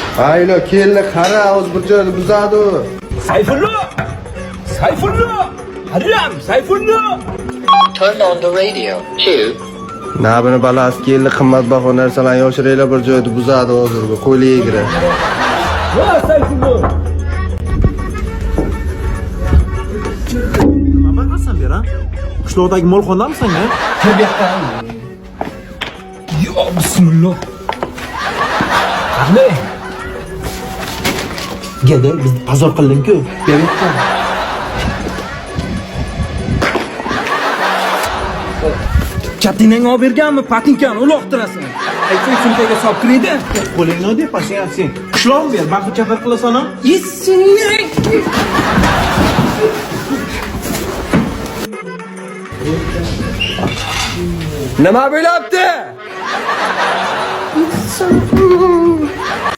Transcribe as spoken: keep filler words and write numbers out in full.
Aylo keldi qara o'z bir joyda buzadi u. Sayfullo! Sayfullo! Haram, Sayfullo! Turn on the radio. Two. Nabini balasi keldi qimmatbaho narsalarni yoshiringlar bir joyda buzadi hozir bu qo'liga egri. Va Sayfullo! Nima baqasan bera? Qishloqdagi molxonamisan ya? Tabiatan. Yo, bismillah. Qani? Gada biz pazor qilding-ku. Beribdi. Katinang olib berganmi? Patinkani uloqtirasan. Aytsang sumkaga solib kiradi. Qo'lingni oddiy sen. Qishloq ber, baxil chafar qilasan-a? Yesingni. Nima bo'lyapti?